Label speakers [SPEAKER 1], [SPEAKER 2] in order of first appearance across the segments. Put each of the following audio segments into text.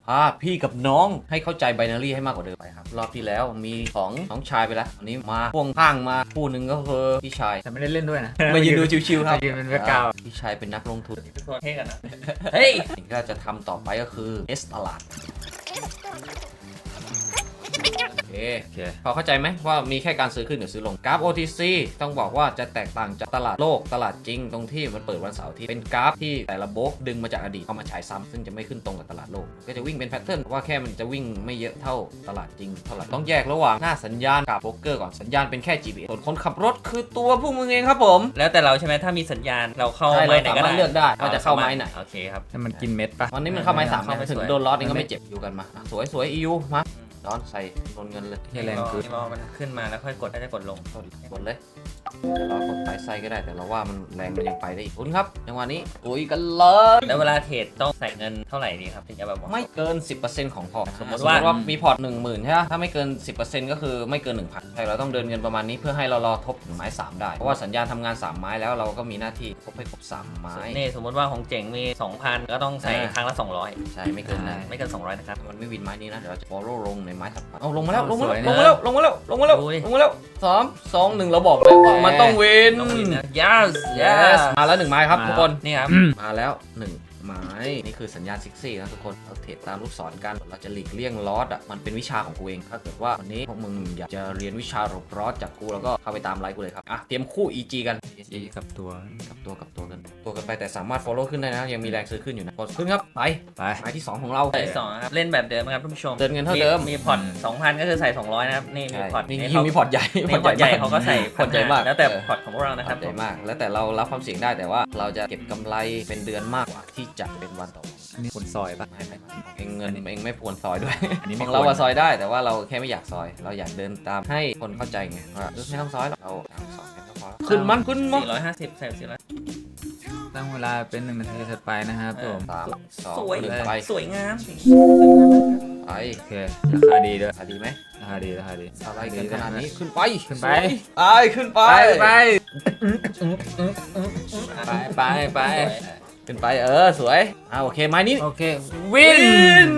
[SPEAKER 1] พี่กับน้องให้เข้าใจไบนารีให้มากกว่าเดิมไปครับรอบที่แล้วมีของน้องชายไปแล้วอันนี้มาพ่วงข้างมาคู่หนึ่งก็คือพี่ชาย
[SPEAKER 2] แต่ไม่ได้เล่นด้วยนะ
[SPEAKER 1] มายืนดูชิวๆครับ
[SPEAKER 2] มายืนเป็นแบ็คกราวด์
[SPEAKER 1] พี่ชายเป็นนักลงทุน
[SPEAKER 3] ทุกคนเท่กันนะ
[SPEAKER 1] เฮ้ยสิ่งที่เราจะทำต่อไปก็คือเอสตลาดโอเคพอเข้าใจไหมว่ามีแค่การซื้อขึ้นหรือซื้อลงกราฟ OTC ต้องบอกว่าจะแตกต่างจากตลาดโลกตลาดจริงตรงที่มันเปิดวันเสาร์ที่เป็นกราฟที่แต่ละโบรกดึงมาจากอดีตเข้ามาฉายซ้ำซึ่งจะไม่ขึ้นตรงกับตลาดโลกก็จะวิ่งเป็นแพทเทิร์นว่าแค่มันจะวิ่งไม่เยอะเท่าตลาดจริงเท่าไหร่ต้องแยกระหว่างหน้าสัญญาณกับโบรกเกอร์ก่อนสัญญาณเป็นแค่ GPS ส่วนคนขับรถคือตัวพวกมึงเองครับผม
[SPEAKER 3] แล้วแต่เราใช่ไหมถ้ามีสัญญาณเราเข้า
[SPEAKER 1] ใช่
[SPEAKER 3] ไม้ไหนก็
[SPEAKER 1] เราสามารถเลือกได้ว่าจะเข้าไม้ไหน
[SPEAKER 3] โอเคครับ
[SPEAKER 2] แต่มันกินเม็ดปะ
[SPEAKER 1] วันนี้มันเข้าไม้สาม
[SPEAKER 3] เข้าไม้
[SPEAKER 1] ถึง
[SPEAKER 3] สวย
[SPEAKER 1] โดนล็อตเองก็ไม่เจ็บอยู่กันมาสวยEU มาร้อนใส่โดนเงินเลย
[SPEAKER 2] เฮียแรงคือ
[SPEAKER 3] รอมันขึ้นมาแล้วค่อยกดถ้าจะกดลง
[SPEAKER 1] กดเลยจะรอกดไปไส้ก็ได้แต่เราว่ามันแรงมันยังไปได้อีกคุณครับจังหวะนี้คุยกันเลย
[SPEAKER 3] แล้วเวลาเทรดต้องใส่เงินเท่าไหร่ดีครับถึงจะแบบว่า
[SPEAKER 1] ไม่เกิน 10%ของพอร์ตสมมติ
[SPEAKER 3] ว่า
[SPEAKER 1] ว่ามีพอร์ต 10,000 ใช่ไหมถ้าไม่เกิน 10%ก็คือไม่เกิน 1,000 ใช่เราต้องเดินเงินประมาณนี้เพื่อให้เรารอทบถึงไม้ 3 ได้เพราะว่าสัญญาณทำงาน 3 ไม้แล้วเราก็มีหน้าที่ทบให้ครบ 3 ไม้
[SPEAKER 3] นี่สมมติว่าของเจ๋งมี 2,000 ก็ต้องใส่ครั้งละ 200
[SPEAKER 1] ใช่ไม่เกินนั้น
[SPEAKER 3] ไม่เกิน 200 นะครับ
[SPEAKER 1] มันไม่วินไม้นี้นะเดี๋ยวเราจะ follow ลงในไม้ถัดไปเอาลงมาแล้วลงมา
[SPEAKER 2] สวย
[SPEAKER 1] แล้ว
[SPEAKER 2] นะ
[SPEAKER 1] ลงมาแล้วลงมาแล้วลงมาแล้ว
[SPEAKER 3] ดูดิ
[SPEAKER 1] ลงมาแล้ว3 2 1เราบอกเลยว่ามันต้องวิน
[SPEAKER 3] ต้องมีนะ yes
[SPEAKER 1] yes มาแล้ว1 ไม้ครับทุกคน
[SPEAKER 3] นี่ครับ
[SPEAKER 1] มาแล้ว 1 ไม้นี่คือสัญญาณซิกซี่นะทุกคนเราเทรดตามลูกศรกันเราจะหลีกเลี่ยงลอสอ่ะมันเป็นวิชาของกูเองถ้าเกิดว่าวันนี้พวกมึงอยากจะเรียนวิชาหลบลอสจากกูแล้วก็เข้าไปตามไลฟ์กูเลยครับอ่ะเตรียมคู่ EG กัน
[SPEAKER 2] อีกับตัว
[SPEAKER 1] กับตัวกันไปแต่สามารถ follow ขึ้นได้นะยังมีแรงซื้อขึ้นอยู่นะกดขึ้นครับไป
[SPEAKER 2] ไป
[SPEAKER 1] ไม้ที่ 2 ของเรา
[SPEAKER 3] ใส่2นะครับเล่นแบบเดิมนะครับท่านผู้ชม
[SPEAKER 1] เดินเงินเท่าเดิม
[SPEAKER 3] มีพอร์ต 2,000 ก็คือใส่ 200 นะครับนี่มี
[SPEAKER 1] ใช่
[SPEAKER 3] พอร์ต
[SPEAKER 1] นี่
[SPEAKER 3] นี่
[SPEAKER 1] ยิ่งมีพอร์ตใหญ่
[SPEAKER 3] พอร์ตใหญ่เขาก็ใส่
[SPEAKER 1] พอร์ตใหญ่มาก
[SPEAKER 3] แล้วแต่พอร์ตของพวกเรานะครับ
[SPEAKER 1] ใหญ่มากแล้วแต่เรารับความเสี่ยงได้แต่ว่าเราจะเก็บกำไรเป็นเดือนมากกว่าที่จะเป็นวันต่อวัน
[SPEAKER 2] อันนี้คนซอยปะ
[SPEAKER 1] ไม่เองเงินเองไม่ควรซอยด้วย
[SPEAKER 2] อันนี้
[SPEAKER 1] ข
[SPEAKER 2] ไม่
[SPEAKER 1] องเรา
[SPEAKER 2] ควร
[SPEAKER 1] อะซอยได้แต่ว่าเราแค่ไม่อยากซอย เราอยากเดินตามให้คนเข้าใจไงว่าไม่ต้องซอยหรอกเราสอนกันก็พอแล้วขึ้นมัน
[SPEAKER 3] 450ใส่400
[SPEAKER 2] ตั้งเวลาเป็น1 นาทีถัดไปนะครับผม
[SPEAKER 1] 3
[SPEAKER 3] สวย
[SPEAKER 1] 2 1ไป
[SPEAKER 3] สวยงาม
[SPEAKER 1] ไป
[SPEAKER 2] โอเคราคาดีด้วย
[SPEAKER 1] ดีไหม
[SPEAKER 2] ราคาดีราคาดี
[SPEAKER 1] อะไรกันขนาดนี้ขึ้นไป
[SPEAKER 2] ขึ้นไป
[SPEAKER 1] ไปขึ้นไป
[SPEAKER 2] ไปไปไป
[SPEAKER 1] ขึ้นไปสวยโอเคไม้นี้
[SPEAKER 2] โอเค
[SPEAKER 1] วิน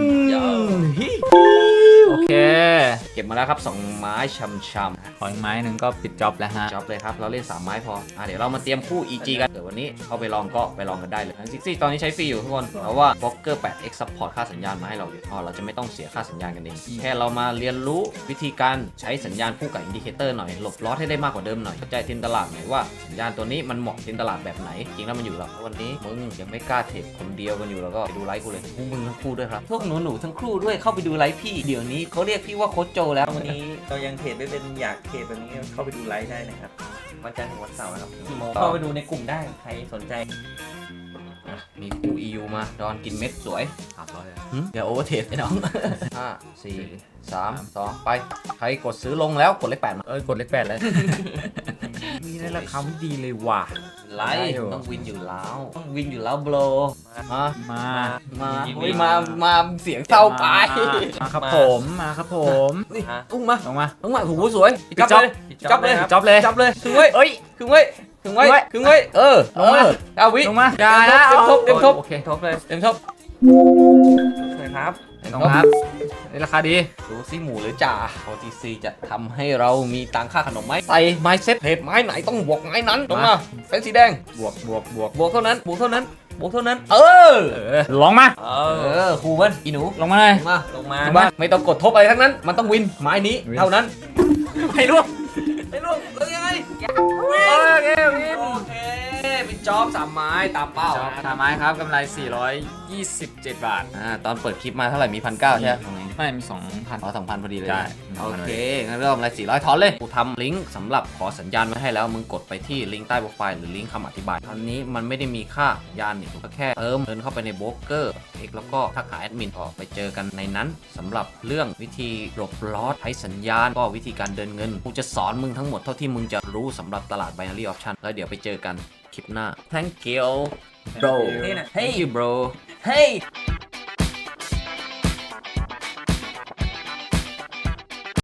[SPEAKER 2] โอเค
[SPEAKER 1] เก็บมาแล้วครับ2 ไม้ช้ำ
[SPEAKER 2] ขออีกไม้หนึ่งก็ปิดจ็อบแล้วฮะ
[SPEAKER 1] ๆจ็อบเลยครับเราเล่น3 ไม้พอเดี๋ยวเรามาเตรียมคู่ EG กันเดี๋ยววันนี้เข้าไปลองก็ไปลองกันได้เลยซิกซี่ตอนนี้ใช้ฟรีอยู่ทุกคนเพราะว่า Blocker 8X Support ค่าสัญญาณมาให้เราอยู่เราจะไม่ต้องเสียค่าสัญญาณกันเองแค่เรามาเรียนรู้วิธีการใช้สัญญาณคู่กับอินดิเคเตอร์หน่อยหลบลอสให้ได้มากกว่าเดิมหน่อยเข้าใจทินตลาดหน่อยว่าสัญญาณตัวนี้มันเหมาะทินตลาดแบบไหนจริงแล้วมันอยู่แล้ววันนี้มึงยังไม่กล้าเทรดคนเดียวกันอยู่แล้วก็ไปดูไลฟ์กูเลยพวกมึงทั้งคู่ด้วยครับพวกหนูทั้งคู่ด้วยเข้าไปดูไลฟ์พี่เดี๋ยวนี้เขาเรียกพี่ว่าโค้ชโจแล้ว
[SPEAKER 3] วันนี้เรายังเทรดไม่เป็นอยากเทรดแบบนี้เข้าไปดูไลฟ์ได้นะครับวันจันทร์ถึงวันเสาร์นะครับกี่โมงเข้าไปดูในกลุ่มได้ใครสนใจ
[SPEAKER 1] มีคู่ EU มาดอนกินเม็ดสวย
[SPEAKER 2] 300
[SPEAKER 1] เดี๋ยวโอเวอร์เทสไอ้น้อง 5 4 3 2 ไป ใครกดซื้อลงแล้วกดเลข8มา
[SPEAKER 2] กดเลข8เลยมีในราคาไม่ดีเลยว่ะ
[SPEAKER 1] ไล
[SPEAKER 2] ได้
[SPEAKER 1] ท์
[SPEAKER 2] อยู่
[SPEAKER 1] ต้องวินอยู่แล้วต้องวินอยู่แล้วโบรมา
[SPEAKER 2] มา
[SPEAKER 1] อุ้ยมาเสียงเศร้าไป
[SPEAKER 2] มาครับผมมาครับผม
[SPEAKER 1] อุ้งมา
[SPEAKER 2] ลงมา
[SPEAKER 1] อุ้งมาโอ้โหสวย
[SPEAKER 2] ปิดจ๊อบ
[SPEAKER 1] จับเลย
[SPEAKER 2] จ็อบเลย
[SPEAKER 1] จับเลยถึงไว้
[SPEAKER 2] เอ้ย
[SPEAKER 1] ถึงไว้ถึงไว้ถึงไว้ลงมาเอาวิ
[SPEAKER 2] ลงมาอย่านะ
[SPEAKER 1] เต็มทบ
[SPEAKER 2] โอเค
[SPEAKER 3] ทบเลย
[SPEAKER 1] เต็มทบ
[SPEAKER 3] สวยครับ
[SPEAKER 2] ลงครับในราคาดี
[SPEAKER 1] ดูซิหมูหรือจ่า OTC จะทำให้เรามีตังค่าขนมไหมใส่ไม้เซ็ตเพจไม้ไหนต้องบวกไม้นั้นลงมาเป็นสีแดง
[SPEAKER 2] บวก
[SPEAKER 1] บวกเท่านั้นบวกเท่านั้นบวกเท่านั้น
[SPEAKER 2] ลงมา
[SPEAKER 1] ครูมันอีหนู
[SPEAKER 2] ลงมาเลย
[SPEAKER 1] มา
[SPEAKER 3] ลงมา
[SPEAKER 1] บ้านไม่ต้องกดทบอะไรทั้งนั้น มันต้องวินไม้นี้
[SPEAKER 2] วิน
[SPEAKER 1] เท่านั้น
[SPEAKER 2] ให้ร่วง
[SPEAKER 1] ไม่รู้แล้วยังไง
[SPEAKER 2] โอเควิน
[SPEAKER 1] โอเคเป็นจ็อบ3 ไม้ตามเป้า
[SPEAKER 2] จอบทาไม้ครับกำไร427 บาท
[SPEAKER 1] ตอนเปิดคลิปมาเท่าไหร่มี1,900ใช่ไหม
[SPEAKER 2] ไม่มี 2,000
[SPEAKER 1] 2,000พอดีเลย
[SPEAKER 2] ใช่
[SPEAKER 1] โอเคงั้นเริ่มอะไร400ถอนเลยกูทำลิงก์สำหรับขอสัญญาณไว้ให้แล้วมึงกดไปที่ลิงก์ใต้โปรไฟล์หรือลิงก์คำอธิบายอันนี้มันไม่ได้มีค่ายานนี่ก็แค่เดินเข้าไปในโบรกเกอร์แล้วก็ทักหาแอดมินออกไปเจอกันในนั้นสำหรับเรื่องวิธีหลบลอสใช้สัญญาณก็วิธีการเดินเงินกูจะสอนมึงทั้งหมดเท่าที่มึงจะรู้สำหรับตลาด binary option แล้วเดี๋ยวไปเจอกันคลิปหน้า thank you bro
[SPEAKER 3] นี่นะ
[SPEAKER 1] thank you bro hey